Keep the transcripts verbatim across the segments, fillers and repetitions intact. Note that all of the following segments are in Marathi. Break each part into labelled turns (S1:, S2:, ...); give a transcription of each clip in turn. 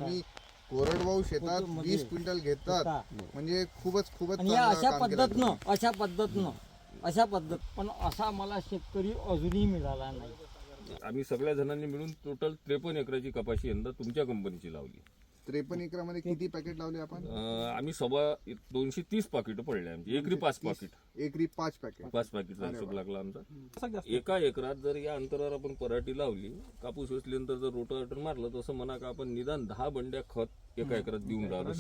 S1: तुम्ही कोरडवाहू शेतात वीस क्विंटल घेतात म्हणजे खूपच खूपच
S2: आणि
S1: चांगलं
S2: अशा
S1: काम केलं तुम्ही.
S2: पद्धतनं अशा पद्धतनं अशा पद्धत पण असा मला शेतकरी अजूनही मिळाला नाही.
S3: आम्ही सगळ्या जणांनी मिळून टोटल त्रेपन्न एकराची कपाशी यंदा तुमच्या कंपनीची लावली.
S1: त्रेपन्न एकरामध्ये किती पॅकेट लावले आपण?
S3: अं, आम्ही सव्वा दोनशे तीस पाकिट पडले आमची. एकरी पाच पाकिट
S1: एकरी पाच पॅकेट
S3: पाच पाकिटचा हिशोब लागला आमचा. एका एकरात जर या अंतरावर आपण पराठी लावली, कापूस वेचल्यानंतर जर रोटावेटर मारलं, तसं म्हणा का आपण निदान दहा बंड्या खत एका एकरात देऊन राहिलो.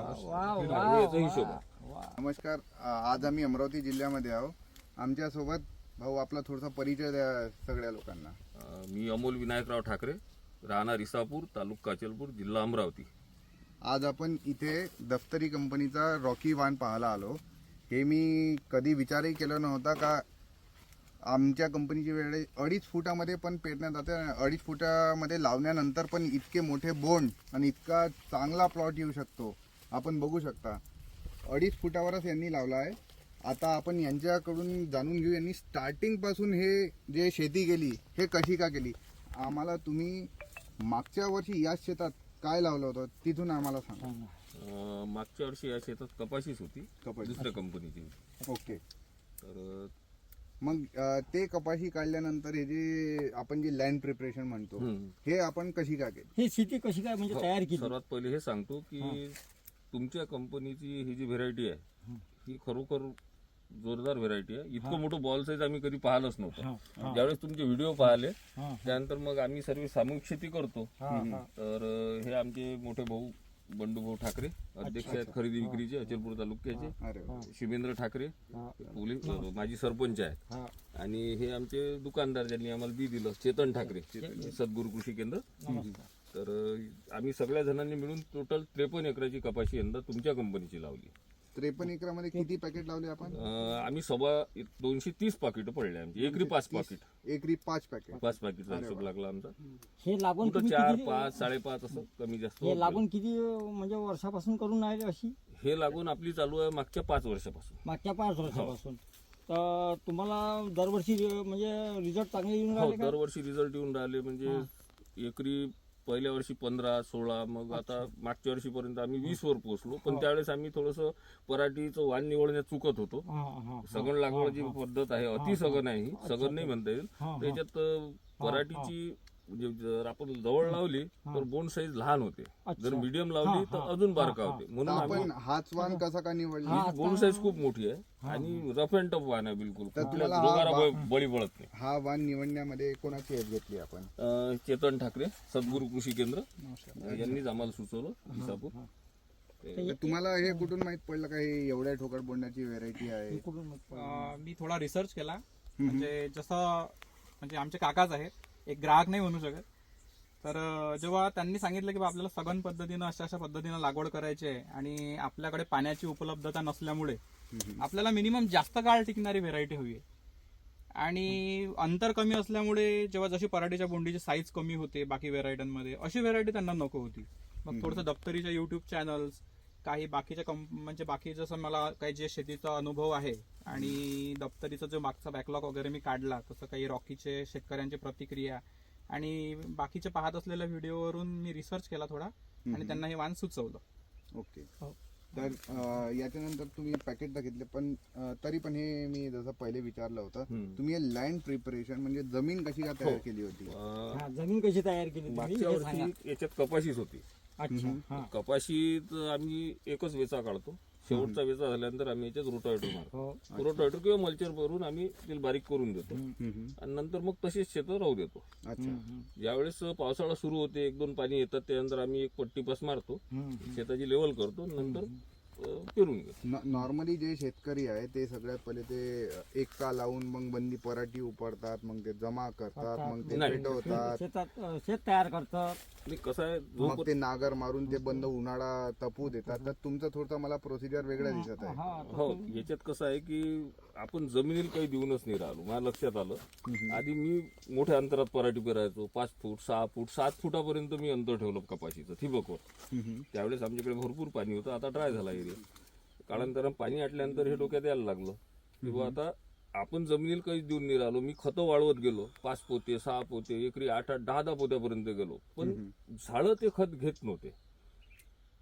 S3: शेणखत याचा हिशोब आहे.
S1: नमस्कार, आ- आज आम्ही अमरावती जिल्ह्यामध्ये आहोत. आमच्या सोबत भाऊ, आपला थोडासा परिचय द्या सगळ्या लोकांना.
S3: अं, मी अमोल विनायकराव ठाकरे, राहणार इसापूर, तालुका काचलपूर, जिल्हा अमरावती.
S1: आज आपण इथे दफ्तरी कंपनीचा रॉकी वाण पाहायला आलो. हे मी कधी विचारही केला नव्हता का आमच्या कंपनीची वेळे अडीच फुटामध्ये पण पेरण्यात जाते. अडीच फुटामध्ये लावल्यानंतर पण इतके मोठे बोंड आणि इतका चांगला प्लॉट येऊ शकतो. आपण बघू शकता अडीच फुटावरच यांनी लावला आहे. आता आपण यांच्याकडून जाणून घेऊ यांनी स्टार्टिंग पासून हे जे शेती केली हे कशी का केली. आम्हाला तुम्ही मागच्या वर्षी याच शेतात काय लावलं होतं तिथून आम्हाला सांगा.
S3: अं, मागच्या वर्षी या शेतात कपाशीच होती,
S1: कपाशी.
S3: दुसऱ्या कंपनीची होती.
S1: ओके.
S3: तर
S1: मग अ, ते कपाशी काढल्यानंतर हे जे आपण जे लँड प्रिपरेशन म्हणतो
S3: हम्म.
S1: हे आपण कशी का केली?
S2: ही शेती कशी काय म्हणजे तयार केली?
S3: सर्वात पहिले हे सांगतो की तुमच्या कंपनीची ही जी व्हेरायटी आहे ही खरोखर जोरदार व्हेरायटी आहे. इतकं मोठं बॉल साईज आम्ही कधी पाहिलंच नव्हतं. ज्यावेळेस तुमचे व्हिडिओ पाहिले त्यानंतर मग आम्ही सर्व सामूहिक शेती करतो. तर अं, हे आमचे मोठे भाऊ बंडू भाऊ ठाकरे अध्यक्ष आहेत खरेदी विक्रीचे अचलपूर तालुक्याचे.
S1: अरे वा.
S3: शिवेंद्र ठाकरे पोलीस माजी सरपंच आहेत. आणि हे आमचे दुकानदार ज्यांनी आम्हाला बी दिलं, चेतन ठाकरे, सद्गुरू कृषी केंद्र. तर अं, आम्ही सगळ्या जणांनी मिळून टोटल त्रेपन्न एकराची कपाशी यंदा तुमच्या कंपनीची लावली.
S1: त्रेपन्न एकरामध्ये किती पॅकेट लावले आपण?
S3: अं, आम्ही सव्वा दोनशे तीस पाकिट पडले आमची. एकरी पाच पाकिट
S1: एकरी पाच पॅकेट.
S3: पाच पाकिटचा हिशोब लागला आमचा.
S2: हे लागून
S3: कुठं
S2: तुम्ही
S3: चार
S2: किती-
S3: पाच साडेपाच असं कमी जास्त
S2: हे
S3: होत
S2: लागून किती म्हणजे वर्षापासून करून राहिले अशी?
S3: गेलं. हे लागून आपली चालू आहे मागच्या पाच वर्षापासून.
S2: मागच्या पाच वर्षापासून. तर तुम्हाला दरवर्षी म्हणजे रिझल्ट चांगले येऊन
S3: हो,
S2: राहिले का?
S3: दरवर्षी रिझल्ट येऊन राहिले. म्हणजे एकरी पहिल्या वर्षी पंधरा सोळा, मग आता मागच्या वर्षीपर्यंत आम्ही वीस वर पोहोचलो. पण त्यावेळेस आम्ही थोडस पराठीचं वाण निवडण्यात चुकत होतो.
S2: हा, हा.
S3: सगण लागवड जी पद्धत आहे अति सगण आहे, ही सगण नाही म्हणता येईल. त्याच्यात अं, पराठीची म्हणजे जर आपण जवळ लावली तर बोंड साईज लहान होते, जर मीडियम लावली तर अजून बारका होते. म्हणून आम्ही
S1: आपण हाच वाण कसा का निवडला?
S3: ही बोंड साईज खूप मोठी आहे आणि रफ अँड टफ वाण आहे बिलकुल.
S1: तर
S3: कुठल्या
S1: तुम्हाला हा
S3: रोगाला
S1: वा-
S3: ब- बळी पडत नाही.
S1: हा वाण निवडण्यामध्ये कोणाची हेल्प घेतली आपण?
S3: अं, चेतन ठाकरे, सद्गुरू कृषी केंद्र यांनीच आम्हाला सुचवलं इसापूर.
S1: तर तुम्हाला हे कुठून माहित पडलं का हे एवढ्या ठोकळ बोंडाची व्हेरायटी आहे?
S4: अं, मी थोडा रिसर्च केला. म्हणजे जसं म्हणजे आमचे काकाच आहेत, एक ग्राहक नाही म्हणू शकत. तर अं, जेव्हा त्यांनी सांगितलं की बा आपल्याला सघन पद्धतीनं अशा अशा पद्धतीनं लागवड करायची आहे आणि आपल्याकडे पाण्याची उपलब्धता नसल्यामुळे आपल्याला मिनिमम जास्त काळ टिकणारी व्हेरायटी हवी आहे आणि अंतर कमी असल्यामुळे जेव्हा जशी पराठीच्या बोंडीची साईज कमी होते बाकी व्हेरायटीमध्ये, अशी व्हेरायटी त्यांना नको होती. मग थोडंसं दप्तरीच्या युट्यूब चॅनल्स, काही बाकीच्या कंप म्हणजे बाकी जसं मला काही जे शेतीचा अनुभव आहे आणि दप्तरीचा जो मागचा बॅकलॉग वगैरे मी काढला, तसं काही रॉकीचे शेतकऱ्यांची प्रतिक्रिया आणि बाकीचे पाहत असलेल्या व्हिडिओवरून मी रिसर्च केला थोडा आणि त्यांना हे वाण सुचवलं.
S1: ओके. तर अं, याच्यानंतर तुम्ही पॅकेट तर घेतले, पण अं, तरी पण हे मी जसं पहिले विचारलं होतं, तुम्ही हे लँड प्रिपरेशन म्हणजे जमीन कशी का तयार केली होती?
S3: अं,
S2: हा, जमीन कशी तयार केली तुम्ही
S3: मागच्या
S2: हे सांगा.
S3: वर्षी याच्यात कपाशीच होती.
S2: अच्छा. हा.
S3: कपाशीत आम्ही एकच वेचा काढतो. शेवटचा वेचा झाल्यानंतर आम्ही याच्यात रोटावेटर मारतो.
S2: हो.
S3: रोटावेटर किंवा मल्चर भरून आम्ही ते बारीक करून देतो आणि नंतर मग तशीच शेतं राहू देतो.
S1: अच्छा.
S3: ज्यावेळेस पावसाळा सुरू होते, एक दोन पाणी येतात, त्यानंतर आम्ही एक पट्टी पास मारतो, शेताची लेवल करतो, नंतर अं, पेरून घेतो.
S1: नॉर्मली जे शेतकरी आहे ते सगळ्यात पहिले ते एकटा लावून मग बंदी पराठी उपडतात, मग ते जमा करतात, मग ते
S3: नाही.
S1: पेटवतात,
S2: शेतात अं, शेत तयार करतात.
S3: आणि कसं आहे,
S1: मग ते नागर मारून ते बंद उन्हाळा तपू देतात. तर तुमचं थोडं मला प्रोसिजर वेगळं दिसत आहे.
S2: हा.
S3: हो, याच्यात कसं आहे की आपण जमिनीला काही देऊनच नाही राहिलो. मला लक्षात आलं, आधी मी मोठ्या अंतरात पराठी पेरायचो, पाच फूट सहा फूट सात फुटापर्यंत मी अंतर ठेवलं कपाशीचं ठिबकवर. त्यावेळेस आमच्याकडे भरपूर पाणी होतं, आता ड्राय झाला एरिया. कालांतरानं पाणी आटल्यानंतर हे डोक्यात यायला लागलं की बुवा आता आपण जमिनीला काहीच देऊन नाही राहिलो. मी खतं वाढवत गेलो, पाच पोते सहा पोते, एकरी आठ आठ दहा दहा पोत्यापर्यंत गेलो, पण झाडं ते खत घेत नव्हते.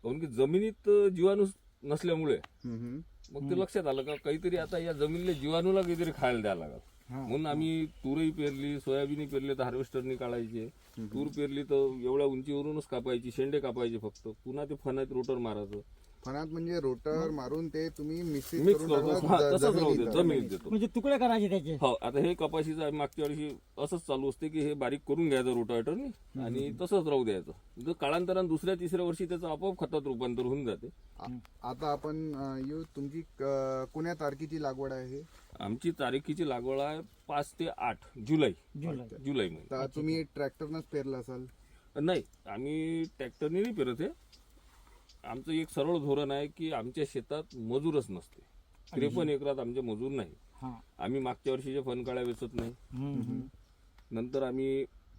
S3: कारण की जमिनीत जीवाणू नसल्यामुळे
S1: हम्म, हम्म.
S3: मग ते लक्षात आलं का काहीतरी आता या जमिनीला जीवाणूला काहीतरी खायला द्यायला लागल. म्हणून आम्ही तूरही पेरली, सोयाबीनही पेरली तर हार्वेस्टरनी काढायचे. तूर पेरली तर एवढ्या उंचीवरूनच कापायची, शेंडे कापायचे फक्त. पुन्हा ते फणात रोटर मारायचं.
S1: फणात म्हणजे रोटर मारून ते तुम्ही मिक्सिंग
S3: मिक्स
S1: करून
S3: करतो.
S1: टाकलं
S3: हा,
S1: ज-
S3: तसंच राहू दे,
S1: जमिनीत.
S3: जमिनीत देतो.
S2: म्हणजे तुकडे करायचे त्याचे.
S3: हो, आता हे कपाशीचं आम्ही मागच्या वर्षी असंच चालू असते की हे बारीक करून घ्यायचं रोटावेटरनी आणि तसंच राहू द्यायचं. जर काळांतरानं दुसऱ्या तिसऱ्या वर्षी त्याचं आपोआप खतात रूपांतर होऊन जाते.
S1: आ- आता आपण अं, येऊ तुमची क- कोण्या तारखेची लागवड आहे?
S3: आमची तारीखीची लागवड आहे पाच ते आठ जुलै
S2: जुलै.
S3: जुलै महिने.
S1: तर तुम्ही ट्रॅक्टरनंच पेरलं असाल.
S3: नाही, आम्ही ट्रॅक्टरने नाही पेरत आहे. आमचं एक सरळ धोरण आहे की आमच्या शेतात मजूरच नसते. त्रेपन्न एकरात आमचे मजूर नाही.
S2: हा.
S3: आम्ही मागच्या वर्षीचे फणकाळ्या वेचत नाही.
S2: हम्म, हम्म.
S3: नंतर आम्ही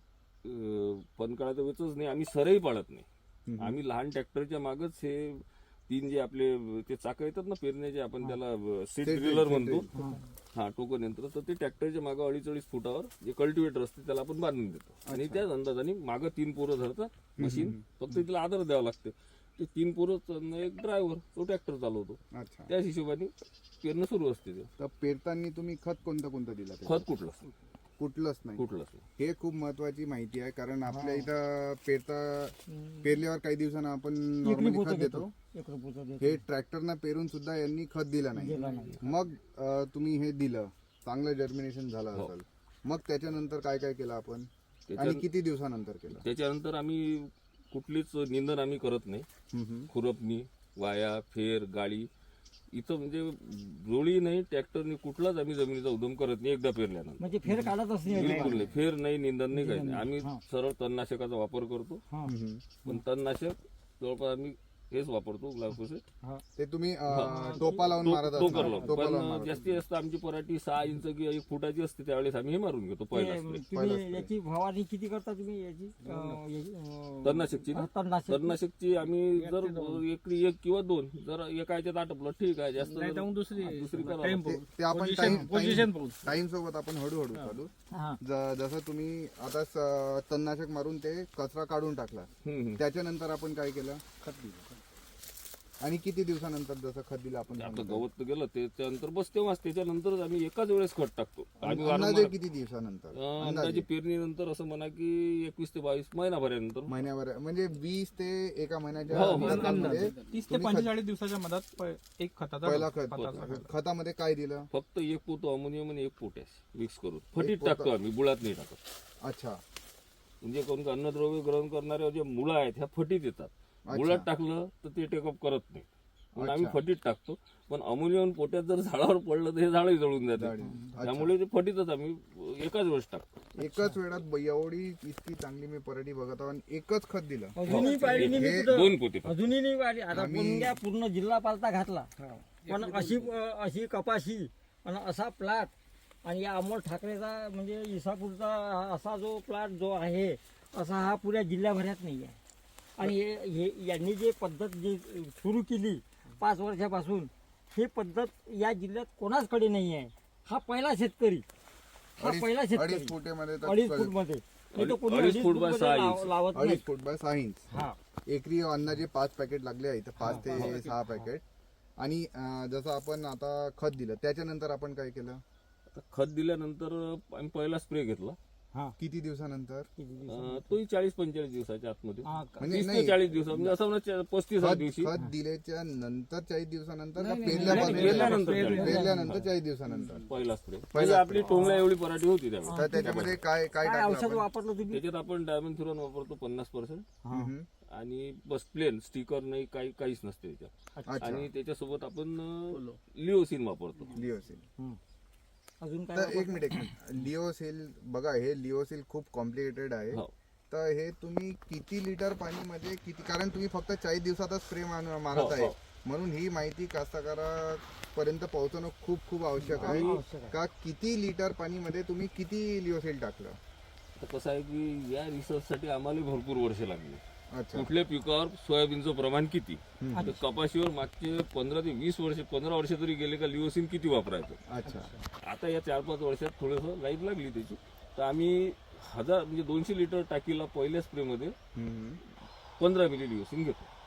S3: अं, फणकाळ्या तर वेचच नाही. आम्ही सरही पाळत नाही. आम्ही लहान ट्रॅक्टरच्या मागच हे तीन जे आपले ते चाकं येतात ना पेरण्याचे, आपण त्याला सीट ड्रिलर म्हणतो. हा, टोकन यंत्र. तर ते ट्रॅक्टरच्या मागं अडीच अडीच फुटावर जे कल्टिवेटर असते त्याला आपण बांधून देतो आणि त्याच अंदाजाने मागं तीन पोरं धरतात मशीन. फक्त तिला आधार द्यावा लागते. ते तीन पोरं, एक ड्रायव्हर, तो ट्रॅक्टर चालवतो.
S1: अच्छा.
S3: त्याच हिशोबाने पेरणं सुरू असते. ते
S1: तर पेरताना तुम्ही खत कोणतं कोणतं दिलं ते?
S3: खत कुठलं
S1: कुठलंच नाही.
S3: कुठलंच नाही.
S1: हे खूप महत्वाची माहिती आहे, कारण आपल्या इथं पेरता पेरल्यावर काही दिवसांना आपण नॉर्मली खत देतो.
S2: एक रुपयाचा देतो.
S1: हे ट्रॅक्टरनं पेरून सुद्धा यांनी खत दिलं नाही.
S2: दिला नाही.
S1: मग अं, तुम्ही हे दिलं, चांगलं जर्मिनेशन झालं
S3: हो.
S1: असेल. मग त्याच्यानंतर काय काय केलं आपण
S3: त्याच्या-
S1: आणि किती दिवसानंतर केलं?
S3: त्याच्यानंतर आम्ही कुठलीच निंदन आम्ही करत नाही.
S1: हम्म, हम्म.
S3: खुरपणी, वाया, फेर, गाळी इथं म्हणजे जोळी नाही, ट्रॅक्टरनी कुठलाच आम्ही जमिनीचा उद्यम करत नाही एकदा पेरल्यानंतर.
S2: म्हणजे फेर काढतच नाही.
S3: बिलकुल नाही. फेर नाही, निंदन नाही, काही नाही. आम्ही सरळ तणनाशकाचा वापर करतो.
S2: हा.
S1: हम्म.
S3: पण तणनाशक जवळपास आम्ही हेच वापरतो, ग्लायफोसेट.
S2: हा.
S1: ते तुम्ही अं, टोपा लावून मारत
S3: तो
S1: असणार.
S3: करलो.
S1: टोपा लावून
S3: पण
S1: मारत
S3: जास्तीत जास्त आमची पराठी सहा इंच किंवा एक फुटाची असते त्यावेळेस आम्ही हे मारून घेतो पहिला
S2: ते
S3: स्प्रे.
S2: तुम्ही याची फवारणी किती करता तुम्ही याची अं, याची, अं,
S3: तणनाशकची ना?
S2: तणनाशक.
S3: तणनाशकची आम्ही जर एकरी एक किंवा दोन जर एका याच्यात आटपलं ठीक आहे. जास्त जर- दुसरी करा.
S1: ते- ते आपण टाइम टाइम सोबत आपण हळूहळू चालू.
S2: हा.
S1: ज- जसं तुम्ही आता स- तणनाशक मारून ते कचरा काढून टाकला,
S3: हम्म, हम्म.
S1: त्याच्यानंतर आपण काय केलं? आणि किती दिवसानंतर जसं खत दिलं आपण?
S3: आपलं गवत तर गेलं त्याच्यानंतर बस तेव्हाच त्याच्यानंतरच आम्ही एकाच वेळेस खत टाकतो. आम्ही
S1: अंदाजे
S3: वारंवार
S1: किती दिवसानंतर?
S3: अं, अंदाजे पेरणीनंतर असं म्हणा की एकवीस ते बावीस महिनाभरानंतर.
S1: महिन्याभर म्हणजे वीस ते एका महिन्याच्या
S3: हो, हो.
S1: अंतरामध्ये
S4: तीस ते पंचेचाळीस दिवसाच्या मधात प- एक खताचा
S1: पहिला खत.
S4: खताचा खत.
S1: खतामध्ये काय दिलं?
S3: फक्त एक पोतो अमोनियम आणि एक पोटॅश मिक्स करून फटीत टाकतो आम्ही, बुळात नाही टाकत.
S1: अच्छा.
S3: म्हणजे कोणतं अन्नद्रव्य ग्रहण करणारे जे मुळं आहेत ह्या फटीत येतात. मुळात टाकलं तर ते टेकअप करत नाही, म्हणून आम्ही फटीत टाकतो. पण अमोनियम पोटॅश जर झाडावर पडलं तर हे झाडही जळून जाते. त्यामुळे ते फटीतच आम्ही एकाच वेळेस टाकतो.
S1: एकाच वेळात ब- एवढी इतकी चांगली मी पराठी बघत आहो आणि एकच खत दिलं.
S2: अजूनही पाहिली नाही मी
S1: हे
S2: कुठं.
S3: दोन पोते फक्त.
S2: अजूनही नाही पाहिली. आता पुण्या पूर्ण जिल्हा पालता घातला, पण अशी अशी कपाशी आणि असा प्लॉट आणि या अमोल ठाकरेचा म्हणजे इसापूरचा हा असा जो प्लॉट जो आहे असा हा पुऱ्या जिल्ह्याभरात नाही आहे. आणि हे हे- यांनी जे पद्धत जी सुरू केली पाच वर्षापासून, ही पद्धत या जिल्ह्यात कोणाचकडे नाही आहे. हा पहिला शेतकरी हा
S1: अडीच-
S2: पहिला
S1: अडीच
S2: शेतकरी
S1: फुटेमध्ये तर-
S2: अडीच फूट मध्ये नाही तर कोणी
S3: अडीच
S2: अडीच
S3: फूट
S2: फूट
S3: बाय
S2: मध्ये
S3: सहा
S2: लाव-
S3: इंच.
S2: लावत नाही.
S1: अडीच फूट बाय सहा इंच.
S2: हा.
S1: एकरी अंदाजे पाच पॅकेट लागले आहेत, पाच ते सहा पॅकेट. आणि अं, जसं आपण आता खत दिलं त्याच्यानंतर आपण काय केलं?
S3: आता खत दिल्यानंतर आम्ही पहिला स्प्रे घेतला.
S2: हा.
S1: किती दिवसानंतर?
S3: अं, तोही चाळीस पंचेचाळीस दिवसाच्या आतमध्ये,
S2: हा.
S1: म्हणजे
S3: तीस ते
S1: नाही,
S3: चाळीस दिवस म्हणजे असं म्हणा पस्तीस
S1: खत
S3: दिवशी.
S1: खत दिल्याच्या नंतर चाळीस दिवसानंतर का
S3: नाही,
S1: पेरल्यापासून?
S3: पेरल्यानंतर चाळीस.
S1: पेरल्यानंतर चाळीस दिवसानंतर.
S3: पहिला स्प्रे म्हणजे आपली टोंगळ्या एवढी पराठी होती त्यावेळी.
S1: तर त्याच्यामध्ये काय काय
S2: काय
S1: टाकलं
S2: औषध
S1: आपण?
S2: वापरलं तुम्ही?
S3: त्याच्यात आपण डायमंड थ्रोन वापरतो पन्नास पर्सेंट
S1: हम्म.
S3: आणि बस प्लेन स्टिकर नाही, काही काहीच नसते त्याच्यात.
S1: अच्छा.
S3: आणि त्याच्यासोबत आपण लिओसिन वापरतो.
S1: लिओसिल.
S2: हं. अजून काय
S1: तर एक मिनिट एक मिनिट लिओसिल बघा, हे लिओसिल खूप कॉम्प्लिकेटेड आहे.
S3: हो.
S1: तर हे तुम्ही किती लिटर पाणीमध्ये किती, कारण तुम्ही फक्त चाळीस दिवसातच स्प्रे मारत
S3: हो,
S1: आहे,
S3: हो.
S1: म्हणून ही माहिती कास्तकारापर्यंत पोहोचवणं खूप खूप आवश्यक आहे.
S2: आवश्यक आहे.
S1: का किती लिटर पाणीमध्ये तुम्ही किती लिओसिल टाकलं?
S3: तर कसं आहे की या रिसर्चसाठी आम्हाला भरपूर वर्ष लागली.
S1: अच्छा.
S3: कुठल्या पिकावर सोयाबीनचं प्रमाण किती, तर कपाशीवर मागचे पंधरा ते वीस वर्ष पंधरा वर्ष तरी गेले का लिओसिन किती वापरायचं.
S1: अच्छा.
S3: आता या चार पाच वर्षात थोडंसं लाईट लागली त्याची. तर आम्ही हजार म्हणजे दोनशे लिटर टाकीला पहिल्या स्प्रेमध्ये
S1: हम्म.
S3: पंधरा मिली लिओसिन घेतो.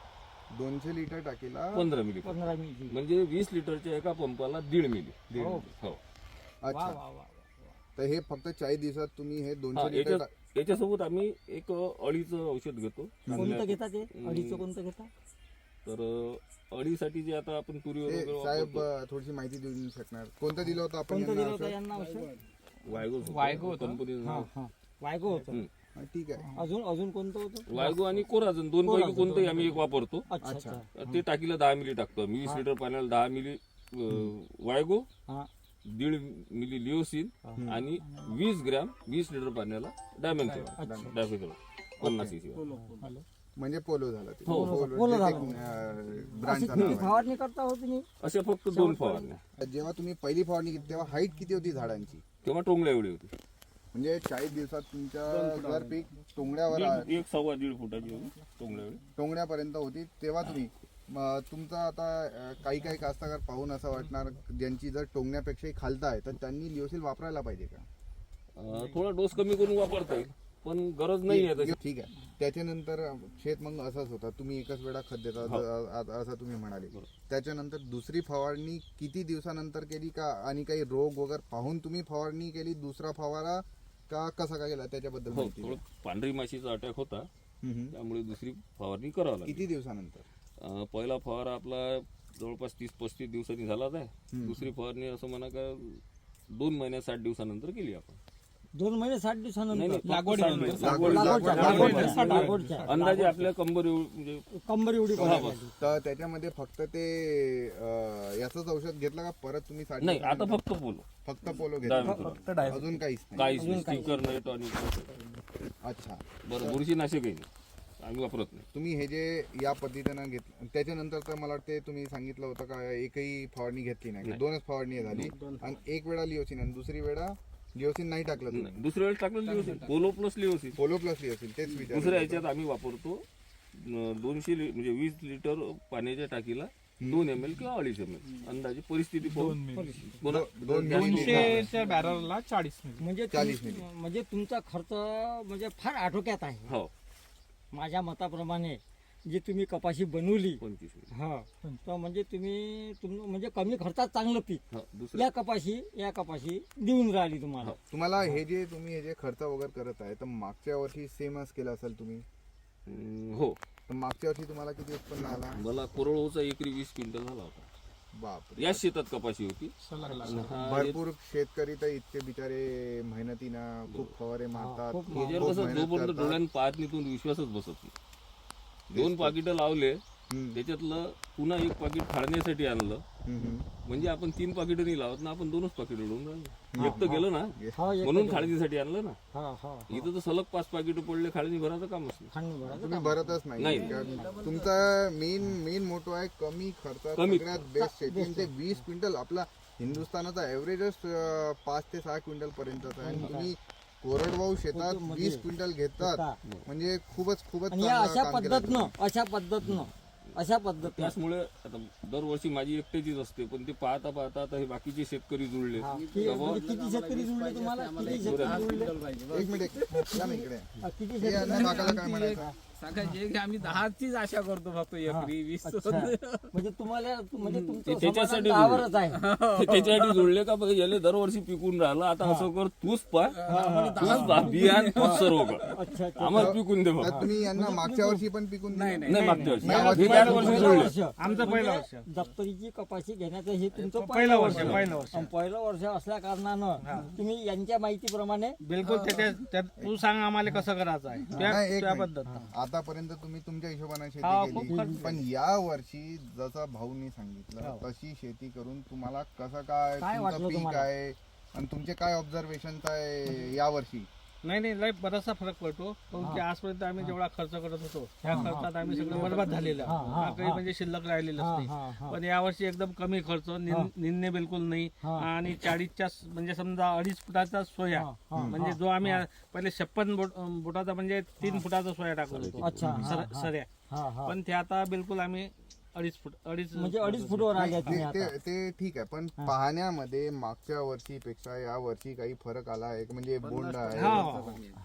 S1: दोनशे लिटर टाकीला
S3: पंधरा मिली
S2: पंधरा मिली
S3: म्हणजे वीस लिटरच्या एका पंपाला दीड मिली
S1: दीड
S2: हो.
S3: हो
S2: वा
S1: अच्छा.
S2: वा वा
S1: तर हे फक्त चाळीस दिवसात तुम्ही हे
S3: हा,
S1: दोनशे लिटर
S3: याच्या
S1: टा-
S3: याच्यासोबत आम्ही एक अळीचं औषध घेतो
S2: कोणतं घेता ते अडीचं कोणतं घेता
S3: तर अ, अळीसाठी जे आता आपण तुरीवर
S1: हे
S3: वगैरे
S1: साहेब
S3: वापरतो,
S1: अं, थोडीशी माहिती देऊ शकणार कोणतं दिलं होतं आपण
S2: कोणतं
S1: यांना
S2: दिलं होतं
S1: औषध?
S2: यांना औषध
S3: वायगो होतं.
S4: वायगो होतं.
S3: कंपनीचं
S2: हा
S3: नाव.
S2: हा वायगो होतं
S3: हम्म.
S1: हा, ठीक आहे
S2: अजून अजून कोणतं होतं
S3: वायगो आणि कोराजन दोन पैकी कोणतंही आम्ही एक वापरतो
S2: अच्छा
S1: अच्छा.
S2: अच्छा
S3: ते टाकीला दहा मिली टाकतो आम्ही वीस लिटर पाण्याला दहा मिली अ, वायगो
S2: हा
S3: दीड मिली लिओसिन आणि वीस ग्रॅम वीस लिटर पाण्याला डायमेन्शन डायफेथॉल पन्नास सीसी
S2: हॅलो
S1: म्हणजे पोलो झाला ते
S3: हो,
S2: पोलो झाला.
S1: ब्रँडचा
S2: अशी किती फवारणी करता हो तुम्ही
S3: अशा फक्त दोन फवारण्या
S1: जेव्हा तुम्ही पहिली फवारणी केली तेव्हा हाईट किती होती झाडांची
S3: तेव्हा टोंगल्या एवढी होती
S1: म्हणजे चाळीस दिवसात तुमच्या जर पीक टोंगड्यावर आ-
S3: दीड- एक सव्वा दीड फुटाची होती टोंगल्या एवढी
S1: टोंगण्यापर्यंत होती तेव्हा तुम्ही म, तुमचा आता अ, काही काही कास्तकार पाहून असं वाटणार ज्यांची जर टोंगण्यापेक्षाही खालता आहे तर त्यांनी लिओसिल वापरायला पाहिजे का
S3: अ, थोडा डोस कमी करून वापरता येईल पण गरज नाही आहे तशी
S1: ठीक आहे त्याच्यानंतर शेत मग असंच होता तुम्ही एकच वेळा खत देता
S3: हो.
S1: ज- आ- असं तुम्ही म्हणाले त्याच्यानंतर दुसरी फवारणी किती दिवसानंतर केली का आणि काही रोग वगैरे पाहून तुम्ही फवारणी केली दुसरा फवारा का कसा का केला त्याच्याबद्दल
S3: हो
S1: माहिती
S3: थोडं
S1: द्या.
S3: पांढरी माशीचा अटॅक होता
S1: हम्म, हम्म.
S3: त्यामुळे दुसरी फवारणी करावं लागली
S1: किती दिवसानंतर
S3: अ, पहिला फवारा आपला जवळपास तीस पस्तीस दिवसांनी झालाच आहे दुसरी फवारणी असं म्हणा का दोन महिन्या साठ दिवसानंतर केली आपण
S2: दोन महिने साठ
S3: नाही
S2: दिवसानंतर
S3: नाही,
S4: लागवडीनंतर.
S3: फक्त
S1: लागवड-
S2: लागवडच्या
S1: लागवड-
S2: लागवडच्या लागवडच्या
S3: अंदाजे आपल्या कंबर एवढी म्हणजे
S2: कंबर एवढी पडायला लागली.
S1: तर त्याच्यामध्ये फक्त ते अं, याचंच औषध घेतलं का परत तुम्ही साठ
S3: नाही आता
S1: दिवसानंतर
S3: फक्त बोलो
S1: फक्त पोलो
S3: डायमेथॉल.
S1: घेतला अजून काहीच नाही
S3: काहीच नाही स्टिकर नाही टॉनिक
S1: अच्छा
S3: बरं बुरशीनाशकही नाही आम्ही वापरत नाही
S1: तुम्ही हे जे या पद्धतीनं घेतलं त्याच्यानंतर तर मला वाटते तुम्ही सांगितलं होतं का एकही फवारणी घेतली नाही दोनच फवारणी झाली आणि एक वेळा लिओसिन आणि दुसरी वेळा लिओसिन नाही टाकलं तुम्ही
S3: नाही, दुसऱ्या वेळेस टाकलं लिओसिन पोलो प्लस लिओसिन
S1: पोलो प्लस लिओसिन तेच विचार
S3: दुसऱ्या ह्याच्यात आम्ही वापरतो अं, दोनशे लि- म्हणजे वीस लिटर पाण्याच्या टाकीला दोन एम एल किंवा अडीच एम एल अंदाजे परिस्थिती पाहून बोला.
S1: दोन
S4: दोनशेच्या बॅरलला चाळीस मिली.
S2: म्हणजे
S1: चाळीस
S2: तुम-
S1: मिली.
S2: म्हणजे तुमचा खर्च म्हणजे फार आटोक्यात आहे
S3: हो
S2: माझ्या मताप्रमाणे जी तुम्ही कपाशी बनवली
S3: पंचवीस मिनिट
S2: हा तर म्हणजे तुम्ही तुम म्हणजे कमी खर्चात चांगलं पीक
S3: हो दुसरं
S2: या कपाशी या कपाशी देऊन राहिली तुम्हाला
S1: तुम्हाला हे जे तुम्ही हे जे खर्च वगैरे करत आहे तर मागच्या वर्षी सेमच केलं असेल तुम्ही
S3: अं, हो
S1: तर मागच्या वर्षी तुम्हाला किती उत्पन्न आला
S3: मला कोरडोचा एकरी वीस क्विंटल झाला होता
S1: बाप
S3: याच शेतात कपाशी होती
S4: सलग लागला.
S3: आणि हा
S1: भरपूर शेतकरी तर इतके बिचारे मेहनतीनं खूप फवारे मारतात
S2: खूप
S1: खूप
S3: याच्यावर कसं
S1: मेहनत
S3: जोपर्यंत
S1: करतात.
S3: डोळ्यानं पाहत नाही तो विश्वासच बसत नाही दोन पाकिटं लावले
S1: हम्म,
S3: त्याच्यातलं पुन्हा एक पाकिट फाडण्यासाठी आणलं
S1: हम्म, हम्म.
S3: म्हणजे आपण तीन पाकिटं नाही लावत ना आपण दोनच पाकिट उडवून राहिलो एक तर गेलं ना
S2: हा एक
S3: म्हणून खाळणीसाठी आणलं ना
S2: हा हा
S3: इथं तर सलग पाच पाकिट पडले खाळणी भराचं कामच नाही
S2: खांड भरायचं
S1: तुम्ही भरतच नाही
S3: नाही.
S1: कारण तुमचा मेन मेन मोटो आहे कमी खर्चात
S3: कमी-
S1: सगळ्यात बेस्ट शेती आणि ते वीस क्विंटल आपला हिंदुस्थानाचा ऍव्हरेजच पाच ते सहा क्विंटल पर्यंतचा आहे आणि तुम्ही कोरडवाहू शेतात वीस क्विंटल घेतात म्हणजे खूपच खूपच
S2: आणि या
S1: चांगलं
S2: अशा
S1: काम केलं तुम्ही.
S2: पद्धतनं अशा पद्धतनं अशा पद्धतीनं
S3: त्याचमुळे आता दरवर्षी माझी एकट्याचीच असते पण ते पाहता पाहता आता हे बाकीचे शेतकरी जुळले
S2: कि- म्हणजे किती शेतकरी जुळले तुम्हाला किती शेतकरी जुळले
S1: एक मिनिट या ना इकडे
S2: हा, किती
S1: हे
S2: शेतकरी
S1: अन्न काकाला काय म्हणायचं
S5: सांगायचे की आम्ही दहाचीच आशा करतो फक्त एकरी वीस
S2: अच्छा. म्हणजे तुम्हाला म्हणजे तुमचं
S3: ते त्याच्यासाठी
S2: समाधान दहावरच आहे
S3: ते त्याच्यासाठी जुळले का बघ याले दरवर्षी पिकून राहिलं आता असं कर तूच पा तूच पा बियाण तूच सर्व कर
S2: अच्छा अच्छा
S3: आम्हाला पिकून दे बघ
S1: तर तुम्ही यांना मागच्या वर्षी पण पिकून दिलं?
S3: नाही मागच्या वर्षी
S1: या वर्षी
S3: हे चार वर्षी
S2: पहिलं
S3: जुळले
S2: वर्ष
S4: आमचं पहिलं वर्ष.
S2: म्हणजे दप्तरीची कपाशी घेण्याचं हे तुमचं
S4: पहिलं वर्ष पहिलं वर्ष
S2: आणि पहिलं वर्ष असल्या कारणानं तुम्ही यांच्या माहितीप्रमाणे
S4: बिलकुल त्याच्या त्यात तू सांग आम्हाला कसं करायचं आहे त्या
S1: नाही, एक
S4: त्या
S1: मिनिट.
S4: पद्धत
S1: आतापर्यंत तुम्ही तुमच्या हिशोबाने
S4: हा,
S1: शेती
S4: खूप
S1: केली
S4: खर्च
S1: पण या वर्षी जसा भाऊनी सांगितलं तशी शेती करून तुम्हाला कसं काय
S2: काय
S1: तुमचं
S2: वाटलं
S1: पीक
S2: तुम्हाला?
S1: आहे आणि तुमचे काय ऑब्झर्वेशन आहे या वर्षी
S4: नाही नाही लय बराचसा फरक पडतो काऊन की आजपर्यंत आम्ही जेवढा खर्च करत होतो त्या खर्चात आम्ही सगळं बरबाद झालेलं आहे.
S2: हा, हा,
S4: हा, काही म्हणजे शिल्लक राहिलेलंच
S2: हा,
S4: नाही
S2: हा, हा.
S4: पण यावर्षी एकदम कमी खर्च निन- निंदणे बिलकुल नाही
S2: हा.
S4: आणि चाळीसच्या स- म्हणजे समजा अडीच फुटाचा सोया
S2: हा, हा,
S4: म्हणजे जो आम्ही आ- पहिले छप्पन बोट- बोटाचा म्हणजे तीन फुटाचा सोया टाकत होतो
S2: अच्छा हा,
S4: सर-
S2: हा.
S4: सऱ्या
S2: हा हा
S4: पण ते आता बिलकुल आम्ही अडीच फूट अडीच
S2: म्हणजे अडीच फुटवर आले तुम्ही
S1: ते
S2: आता
S1: ते- ते ठीक आहे पण पाहण्यामध्ये मागच्या वर्षीपेक्षा या वर्षी काही फरक आला आहे म्हणजे बोंड आहे
S4: हा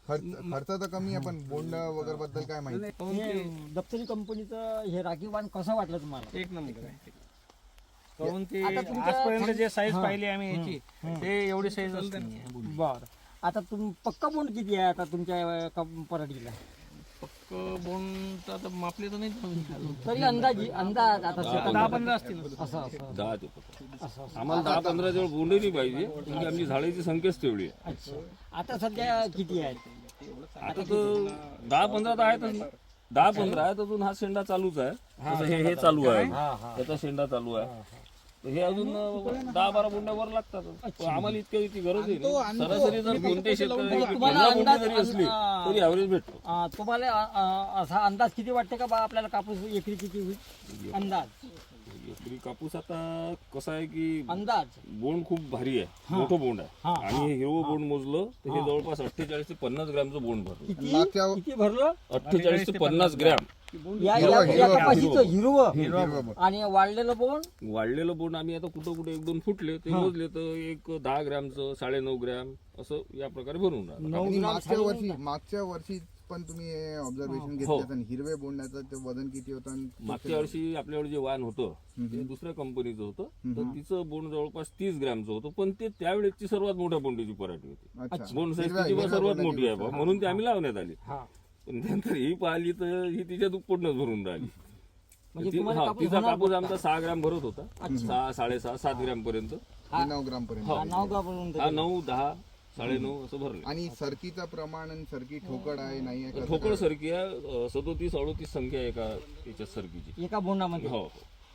S1: खर्च खर्च तर कमी आहे पण बोंड वगैरे बद्दल काय माहिती?
S2: हे दप्तरी कंपनीचं हे राखीव वाण कसं वाटलं तुम्हाला?
S5: एक नंबर आहे काहून ते
S2: आता तुमच्या-
S5: आजपर्यंत जे साईज
S2: हा.
S5: पाहिली आम्ही याची ते एवढी साईज असते
S2: बर आता तुम पक्का बोंड किती आहे आता तुमच्या अं, कप- पराठीला?
S5: पक्क बोंड आता मापले तर नाही
S2: तरी अंदाजी अंदाज आता शेतात
S5: दहा पंधरा असतील
S2: असं असं
S3: दहा ते पंधरा.
S2: असं असं.
S3: आम्हाला दहा पंधरा जवळ बोंडे नाही पाहिजे म्हणजे आमची झाडाची संख्याच तेवढी आहे.
S2: अच्छा आता सध्या किती आहेत?
S3: आता तर दहा पंधरा तर आहेतच ना. दहा पंधरा आहेत अजून हा शेंडा चालूच आहे. जसं हे हे चालू आहे त्याचा शेंडा चालू आहे. तर हे अजून अं, दहा बारा बोंड्यावर लागतात. पण आम्हाला इतक्या इतकी गरज आहे. सरासरी जर कोणते शेतकरी पंधरा बोंडे जरी असली तरी ॲव्हरेज भेटतो.
S2: अं, तुम्हाला अं, अं, असा अंदाज किती वाटते का बा आपल्याला कापूस एकरी किती होईल? अंदाज
S3: एकरी कापूस आता कसा आहे की
S2: अंदाज
S3: बोंड खूप भारी आहे. मोठं बोंड
S2: हा,
S3: आहे आणि हे हिरवं बोंड मोजलं तर हे जवळपास अठ्ठेचाळीस ते पन्नास ग्रॅमचं बोंड भरलं.
S2: किती
S1: मागच्या
S2: किती भरलं?
S3: अठ्ठेचाळीस ते पन्नास ग्रॅम
S2: या
S1: हिरवं,
S2: या- या
S1: हिरवं,
S2: कपाशीचं हिरवं
S1: हिरवं बोंड.
S2: आणि वाढलेलं बोंड
S3: वाढलेलं बोंड आम्ही आता कुठं कुठे एक दोन फुटले ते मोजले तर एक दहा ग्रॅमचं साडे नऊ ग्रॅम असं या प्रकारे भरून राहिलं.
S2: नऊ
S1: आणि
S2: ग्राम
S1: मागच्या
S2: साडे
S1: वर्षी
S2: नऊ
S1: मागच्या वर्षी पण तुम्ही ऑब्झर्वेशन
S3: हो.
S1: घेतलं आणि हिरवे बोंडाचं ते वजन किती होतं आणि
S3: मागच्या वर्षी आपल्याकडे जे वाण होतं ते दुसऱ्या कंपनीचं होतं तर तिचं बोंड जवळपास तीस ग्रॅमचं होतं पण ते त्यावेळेची सर्वात मोठ्या बोंडीची पराठी होती.
S1: अच्छा
S3: बोंड साईज
S1: हिरव्या-
S3: तिची
S1: हिरव्या
S3: सर्वात
S1: बोंडाची
S3: मोठी आहे
S1: गोष्ट.
S3: बा. म्हणून ती आम्ही लावण्यात आली.
S2: हा
S3: पण नंतर ही पाहिली तर ही तिच्या दुप्पटनच भरून राहिली.
S2: म्हणजे
S3: ती-
S2: तुम्हाला
S3: हा,
S2: कापूस
S3: तिचा
S2: होणार
S3: कापूस आमचा सहा ग्रॅम भरत होता. सहा साडेसहा सात ग्रॅम पर्यंत.
S1: हे नऊ ग्राम पर्यंत
S2: हा, नाव का बनवून
S3: हा नऊ दहा साडे नऊ असं भरले.
S1: आणि सरकीचं प्रमाण आणि सरकी ठोकड आहे नाही आहे कसं
S3: ठोकळ
S1: काय?
S3: सरकी आहे सदोतीस अडोतीस संख्या आहे एका याच्यात सरकीची.
S2: एका बोंडामध्ये
S3: हो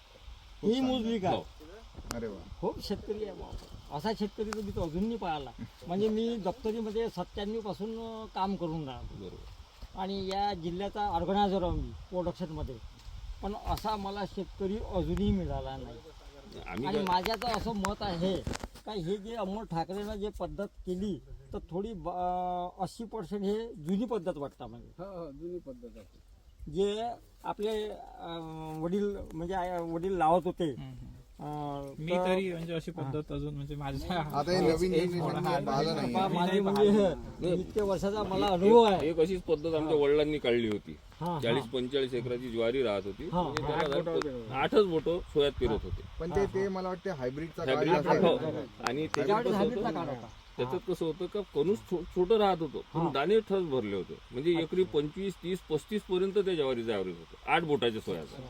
S2: ही मोजली का?
S3: हो
S1: अरे वा
S2: खूप शेतकरी आहे बाबा. असा शेतकरी तर मी तो अजूनही पाहिला. म्हणजे मी दप्तरीमध्ये सत्त्याण्णव पासून अं, काम करून राहिलो
S3: बरोबर.
S2: आणि या जिल्ह्याचा ऑर्गनायझर आहे मी प्रोडक्शनमध्ये. पण असा मला शेतकरी अजूनही मिळाला नाही.
S3: आम्ही
S2: आणि
S3: काय-
S2: माझ्या तर असं मत आहे का हे जे अमोल ठाकरेनं जे पद्धत केली तर थोडी अस्सी पर्सेंट हे जुनी पद्धत वाटतं म्हणजे
S5: जुनी पद्धत आहे
S2: जे आपले अं, वडील म्हणजे आय- वडील लावत होते. अं,
S4: मी
S2: तर
S4: तरी म्हणजे अशी पद्धत अजून म्हणजे माझ्या
S1: आता हे नवीन जनरेशन पाहिलं नाही
S2: बा- माझे म्हणजे इतके वर्षाचा मला अनुभव आहे.
S3: एक अशीच पद्धत आमच्या वडिलांनी काढली होती.
S2: हा, हा.
S3: चाळीस पंचेचाळीस एकराची ज्वारी राहत होती.
S2: हा,
S3: म्हणजे त्याला आठच बोटं सोयात पेरत होते.
S1: पण ते ते मला वाटतं हायब्रिडचा काळ
S3: Hybrid
S1: जास्त
S3: हो.
S1: आहे.
S3: आणि त्याच्यात
S2: त्यावेळी
S3: कसं
S2: हायब्रिडचा
S3: होतं
S2: काळ होता.
S3: त्याच्यात कसं होतं का कणूस छो- छोटं राहत होतं पण दाणे ठस भरले होते. म्हणजे एकरी पंचवीस तीस पस्तीस पर्यंत त्या ज्वारीचं ॲव्हरेज होतं आठ बोटाच्या सोयाचं.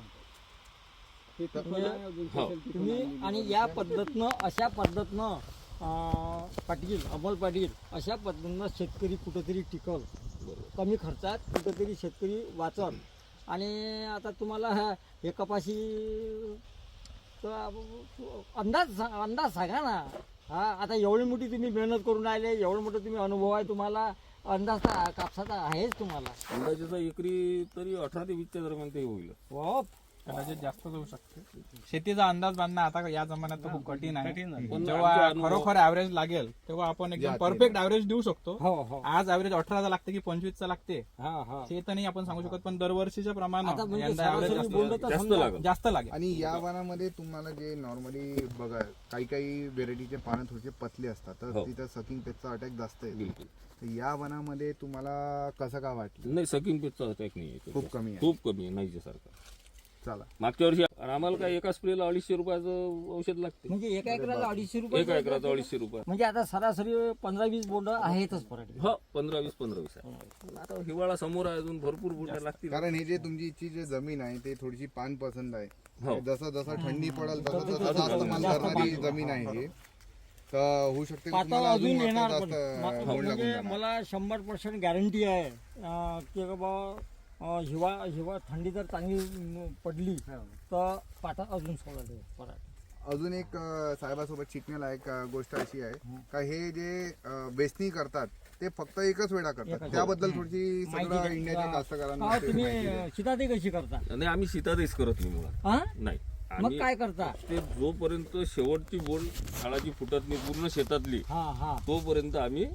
S3: हो
S2: तुम्ही आणि या पद्धतनं अशा पद्धतनं अं, पाटील अमोल पाटील अशा पद्धतीनं शेतकरी कुठंतरी टिकल. कमी खर्चात कुठंतरी शेतकरी वाचल. आणि आता तुम्हाला हा- हे कपाशी तर अंदाज सा- अंदाज सांगा ना. हा आता एवढी मोठी तुम्ही मेहनत करून राहिले एवढं मोठं तुम्ही अनुभव आहे तुम्हाला अंदाज तर कापसाचा आहेच तुम्हाला.
S3: अंदाजेचा एकरी तरी अठरा ते वीसच्या दरम्यान ते होईल.
S2: वा
S4: कदाचित जास्त जाऊ शकते. शेतीचा अंदाज बांधणं आता या जमान्यात तर खूप कठीण आहे.
S3: पण
S4: जेव्हा
S3: आमच्या अनुभव-
S4: खरोखर ऍव्हरेज लागेल तेव्हा आपण एकदम परफेक्ट ऍव्हरेज देऊ शकतो.
S2: हो हो
S4: आज ऍव्हरेज अठराचा लागते की पंचवीसचा लागते
S2: हा हा
S4: हे तर नाही आपण सांगू शकत पण दरवर्षीच्या
S2: आता
S4: प्रमाणे
S2: म्हणजे
S4: यंदा
S2: सरासरी
S4: ऍव्हरेज
S2: बोललं तर
S3: जास्त
S2: समजा
S3: लागेल.
S4: जास्त लागेल.
S1: आणि या वनामध्ये तुम्हाला जे नॉर्मली बघा काही काही व्हेरायटीचे पानं थोडेसे पतले असतात तर
S3: हो.
S1: तिथं सकिंग पेजचा अटॅक जास्त आहे.
S3: बिलकुल
S1: तर या वनामध्ये तुम्हाला कसं का वाटलं?
S3: नाही सकिंग पेजचा अटॅक नाही आहे.
S1: खूप कमी आहे.
S3: खूप कमी आहे नाहीच्या सारखा.
S1: चला
S3: मागच्या वर्षी आणि आम्हाला काय एका स्प्रेला अडीचशे रुपयाचं औषध लागते.
S2: म्हणजे एका एकराला अडीचशे रुपये
S3: एका एकराचं अडीचशे रुपये.
S2: म्हणजे आता सरासरी पंधरा वीस बोंड आहेतच पराठी.
S3: हो पंधरा वीस पंधरा वीस आहे. आता हिवाळा समोर आहे अजून भरपूर बुंड्या लागतील.
S1: कारण हे जे तुमची जे जमीन आहे ते थोडीशी पान पसंत आहे.
S3: हो.
S1: जसं जसं थंडी पडेल तसं तसं जास्त माल धरणारी जमीन आहे ही. तर होऊ शकते की
S2: पातळ
S1: तुम्हाला
S2: अजून
S1: अजून
S2: येणार
S1: जास्त
S2: पण. म-
S1: बोंड लागून
S2: म्हणजे
S1: जाणार.
S2: मला शंभर पर्सेंट गॅरंटी आहे अं, की बाबा अं, हिवा हिवा थंडी जर चांगली अं, पडली तर पाता अजून सोडत पराठी.
S1: अजून एक अं, साहेबासोबत शिकण्यालायक अं, गोष्ट अशी आहे का हे जे अं, वेचणी करतात ते फक्त एकच वेळा करतात. त्याबद्दल थोडीशी सगळं इंडियाच्या कास्तकारांना
S2: हा,
S1: ते
S2: तुम्ही
S1: माहिती द्या.
S2: शिताती कशी करता?
S3: नाही आम्ही सीतादेश करत नाही मुळात.
S2: हा
S3: नाही
S2: मग
S3: आम्ही
S2: काय करता?
S3: ते जोपर्यंत शेवटची बोंड झाडाची फुटत नाही पूर्ण शेतातली
S2: हा हा
S3: तोपर्यंत आम्ही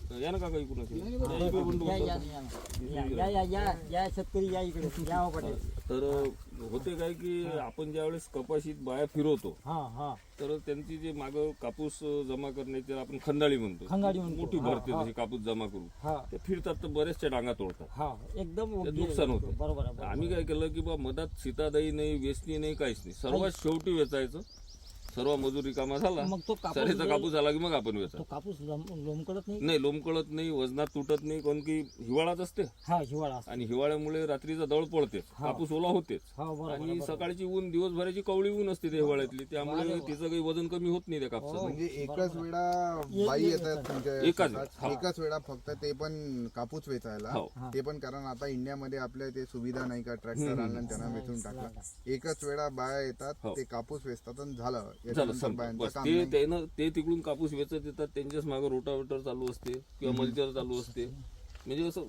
S3: या ना काका इकडून असे. या इकडे बंडू
S2: या
S3: बसा.
S2: या या या या या या शेतकरी या इकडे या हो पटेल.
S3: तर होते काय की आपण ज्यावेळेस कपाशीत बाया फिरवतो
S2: हा हा
S3: तर त्यांची जे मागं कापूस जमा करण्याची आपण खंदाळी म्हणतो
S2: खंदाळी म्हणतो.
S3: मोठी
S2: हा,
S3: भरते
S2: हा.
S3: जशी कापूस जमा करू
S2: हा
S3: ते फिरतात तर बऱ्याचशा डांगा तोडतात.
S2: हा एकदम
S3: ते
S2: योग्य
S3: नुकसान होतं.
S2: बरोबर आहे, बरोबर.
S3: आम्ही काय केलं की बा मधात सीतादाई नाही वेचणी नाही काहीच नाही सर्वात शेवटी वेचायचं. सर्व मजुरी कामा झाला
S2: मग तो कापूस
S3: सरीचा
S2: जो-
S3: कापूस झाला की मग आपण
S2: तो
S3: वेचा.
S2: कापूस लोम- लोंबकळत नाही.
S3: नाही लोंबकळत नाही वजनात तुटत नाही कारण की हिवाळाच असते
S2: हा हिवाळा असतो.
S3: आणि हिवाळ्यामुळे रात्रीचा दळ पडते कापूस ओला होतेच
S2: हा बरोबर आहे,
S3: आणि
S2: बरोबर.
S3: सकाळची ऊन दिवसभराची कवळी ऊन असते त्या हिवाळ्यातली त्यामुळे तिचं काही वजन कमी होत नाही त्या कापसाचं.
S1: म्हणजे एकच वेळा बाई येतात तुमच्या
S3: एकाच
S1: शेतात.
S3: वेळा.
S1: एकाच वेळा फक्त ते पण कापूस वेचायला.
S3: हो.
S1: ते पण कारण आता इंडियामध्ये आपल्या ते सुविधा नाही का ट्रॅक्टर आणला आणि त्यांना वेचून टाकला. एकच वेळा बाया येतात
S3: हो.
S1: ते कापूस वेचतात आणि झालं
S3: झालं
S1: याच्यानंतर
S3: संपलं.
S1: बायांचं
S3: बस
S1: काम
S3: ते
S1: नाही.
S3: त्यानं ते तिकडून कापूस वेचत येतात त्यांच्याच मागे रोटावेटर चालू असते किंवा मल्चर चालू असते म्हणजे असं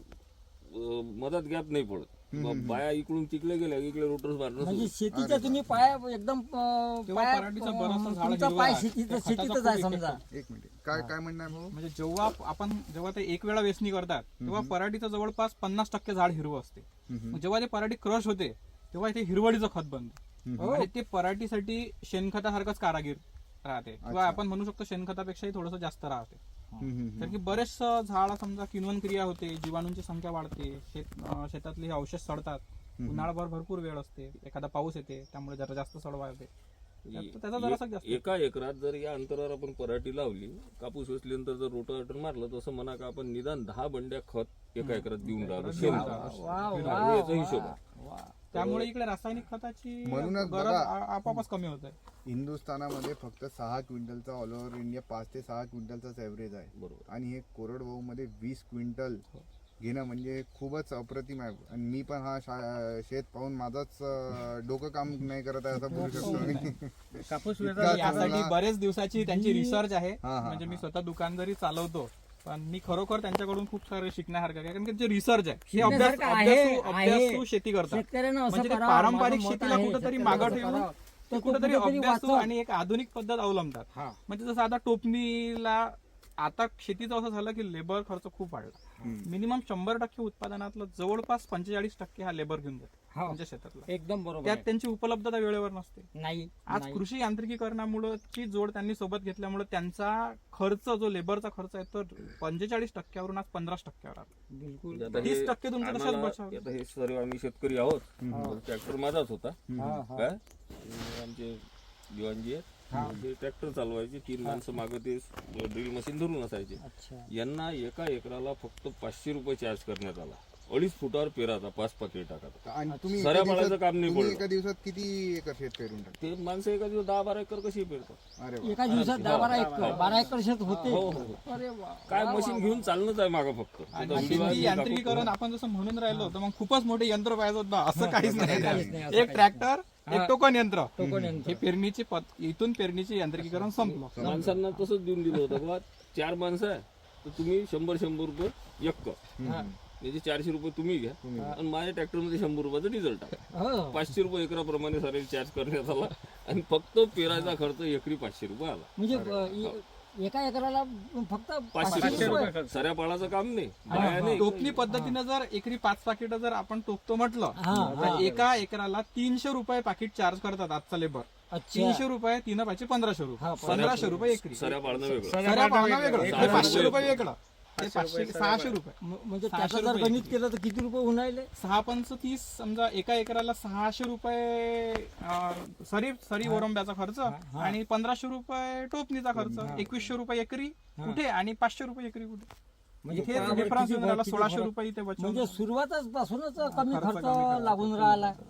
S3: अं, मधात गॅप नाही पडत. मग बाया इकडून तिकडे गेल्या की इकडे रोटर्स मारणं
S2: म्हणजे
S3: सुरू.
S2: शेतीच्या तुम्ही पाया एकदम अं,
S4: तेव्हा
S2: पाया
S4: पराठीचं बरंचसं झाड
S2: तुमचा
S4: हिरवं
S2: पाय
S4: आहे.
S2: शेतीत
S4: त्या खताचा
S2: शेतीतच
S4: खूप
S2: आहे
S4: effect
S2: समजा.
S1: एक मिनिट काय काय म्हणणं आहे भाऊ?
S4: म्हणजे जेव्हा आपण जेव्हा ते एक वेळा वेचणी करतात तेव्हा पराठीचं जवळपास पन्नास टक्के झाड हिरवं असते. मग जेव्हा ते पराठी क्रश होते तेव्हा ते हिरवळीचं खत बनतं आणि ते पराठीसाठी शेणखतासारखंच कारागीर राहते किंवा आपण म्हणू शकतो शेणखतापेक्षाही थोडंसं जास्त राहते.
S1: हम्म, हम्म,
S4: तर की बरेचसं झाड समजा किण्वन क्रिया होते जीवाणूंची संख्या वाढते शेत अं, शेतातले हे अवशेष सडतात. उन्हाळाभर भरपूर वेळ असते एखादा पाऊस येते त्यामुळे जरा जास्त सडवा येते त्यात- त्याचा जरासा जास्त
S3: एका एकरात जर या अंतरावर आपण पराठी लावली कापूस वेचल्यानंतर जर रोटावेटर मारलं तसं म्हणा का आपण निदान दहा बंड्या खत एका एकरात देऊन राहिलो शेण
S2: वा वा
S3: याचा हिशोब आहे.
S2: वा.
S4: त्यामुळे इकडे रासायनिक खताची
S1: म्हणूनच
S4: गरज
S1: बघा.
S4: आ- आपोआपच कमी होत आहे.
S1: हिंदुस्थानामध्ये फक्त सहा क्विंटलचा ऑल ओव्हर इंडिया पाच ते सहा क्विंटलचाच ॲव्हरेज आहे.
S3: बरोबर.
S1: आणि हे कोरडवाहू मध्ये वीस क्विंटल घेणं म्हणजे खूपच अप्रतिम आहे. आणि मी पण हा शा- शेत पाहून माझाच अं, डोकं काम नाही करत आहे असं बोलू शकतो मी.
S5: कापूस
S1: इतका
S4: तर यासाठी
S1: चांगला-
S4: बरेच दिवसाची त्यांची रिसर्च आहे.
S1: हा, हा,
S4: म्हणजे मी
S1: हा.
S4: स्वतः दुकान जरी चालवतो पण मी खरोखर त्यांच्याकडून खूप सारे शिकण्यासारखं आहे कारण की जे रिसर्च आहे हे अभ्यास
S2: शिकण्यासारखं आहे,
S4: अभ्यासू अभ्यासू
S2: आहे.
S4: शेती करतात.
S2: शेतकऱ्यानं असं
S4: म्हणजे ते
S2: करावं,
S4: पारंपरिक
S2: माझं मत
S4: शेतीला
S2: आहे,
S4: कुठेतरी
S2: शेतकऱ्यानं
S4: मागं
S2: असं
S4: ठेवून
S2: करावं.
S4: ते
S2: तो
S4: कुठेतरी
S2: कुठेतरी
S4: अभ्यासू
S2: वाचव.
S4: आणि एक आधुनिक पद्धत अवलंबतात. म्हणजे जसं आता टोपणीला आता शेतीचं असं झालं की लेबर खर्च खूप वाढला. मिनिमम शंभर टक्के उत्पादनातलं जवळपास पंचेचाळीस टक्के हा लेबर घेऊन जातो
S2: हा.
S4: त्यांच्या शेतातला.
S2: एकदम बरोबर
S4: त्यात
S2: आहे.
S4: त्यांची उपलब्धता वेळेवर नसते.
S2: नाही
S4: आज
S2: नाही.
S4: कृषी यांत्रिकीकरणामुळे ची जोड त्यांनी सोबत घेतल्यामुळे त्यांचा खर्च जो लेबरचा खर्च आहे तो पंचेचाळीस टक्क्यावरून आज पंधरा टक्क्यावर आला.
S2: बिलकुल
S3: आता हे
S4: तीस टक्के तुमचं तसंच
S3: आम्हाला-
S4: बचाव.
S3: आता हे सर्व आम्ही शेतकरी आहोत ट्रॅक्टर माझाच होता
S2: हा, हा.
S3: काय अं, आमचे दिवाणजी आहेत ते ट्रॅक्टर चालवायचे तीन माणसं मागं ते ड्रिल मशीन धरून असायचे.
S2: अच्छा
S3: यांना एका एकराला फक्त पाचशे रुपये चार्ज करण्यात आला. अडीच फुटावर पेराचा पाच पाकिट टाकायचा.
S1: आणि तुम्ही
S3: सऱ्या
S1: एका
S3: पाळायचं
S1: दिवसात-
S3: काम नाही
S1: तुम्ही
S3: पडलं.
S1: एका दिवसात किती एकर शेत पेरून टाकता?
S3: ते माणसं एका दिवस दहा बारा एकर कशी पेरतात.
S1: अरे वा.
S2: एका दिवसात दहा बारा एकर बारा एकर शेत होते.
S3: हो, हो, हो.
S2: अरे वा.
S3: काय मशीन घेऊन चालणंच आहे मागं फक्त
S4: आणि
S3: आता
S4: शेती
S3: विभाग-
S4: यांत्रिकीकरण आपण जसं म्हणून राहिलो तर मग खूपच मोठे यंत्र पाहिजे होतं ना, असं काहीच
S2: काहीच नाही,
S4: नाही.
S2: असं
S4: एक ट्रॅक्टर एक टोकन यंत्र
S2: टोकन यंत्र.
S4: हे पेरणीची पद- इथून पेरणीचे यांत्रिकीकरण संपलं.
S3: माणसांना तसंच देऊन दिलं होतं बा चार माणसं आहे तर तुम्ही शंभर शंभर रुपये एक
S2: हा.
S3: म्हणजे चारशे रुपये तुम्ही घ्या आणि माझ्या ट्रॅक्टरमध्ये शंभर रुपयाचं डिझेल टाका.
S2: हो.
S3: पाचशे रुपये एकराप्रमाणे सारे चार्ज करण्यात आला आणि फक्त पेरायचा खर्च एकरी पाचशे रुपये आला.
S2: म्हणजे अ, ए- एका एकराला फक्त
S3: पाचशे
S2: पाचशे
S3: रुपये
S2: रुपये.
S3: सऱ्या पाळाचं काम नाही बाया नाही.
S4: टोपणी पद्धतीनं जर एकरी पाच पाकिट जर आपण टोकतो म्हटलं
S2: हा,
S4: तर एका एकराला तीनशे रुपये पाकिट चार्ज करतात आजचा लेबर.
S2: अच्छा
S4: तीनशे रुपये तीन पाचशे पंधराशे
S2: हा,
S4: रुपये पंधराशे रुपये एकरी.
S3: सऱ्या पाळणं वेगळं.
S4: सऱ्या पाळणं वेगळं
S3: सहाशे
S4: हे पाचशे
S3: रुपये
S4: रुपये वेगळं हे पाचशे सहाशे रुपये
S2: म- म्हणजे
S4: सहाशे
S2: त्याचं जर
S4: रुपये
S2: गणित केलं तर किती रुपये होऊन राहिले?
S4: सहा पंच तीस समजा एका एकराला सहाशे रुपये अं, सरी सरी ओरंब्याचा खर्च आणि पंधराशे रुपये टोपणीचा खर्च एकवीसशे रुपये एकरी कुठे आणि पाचशे रुपये एकरी कुठे
S2: म्हणजे
S4: हे
S2: त्यावर
S4: डिफरन्स
S2: किती
S4: येऊन राहिला
S2: किती
S4: सोळाशे
S2: फरक?
S4: रुपये इथे बचत
S2: म्हणजे सुरुवातच पासूनच कमी
S4: खर्च
S2: खर्च
S4: कमी करायचा.
S2: लागून राहिला.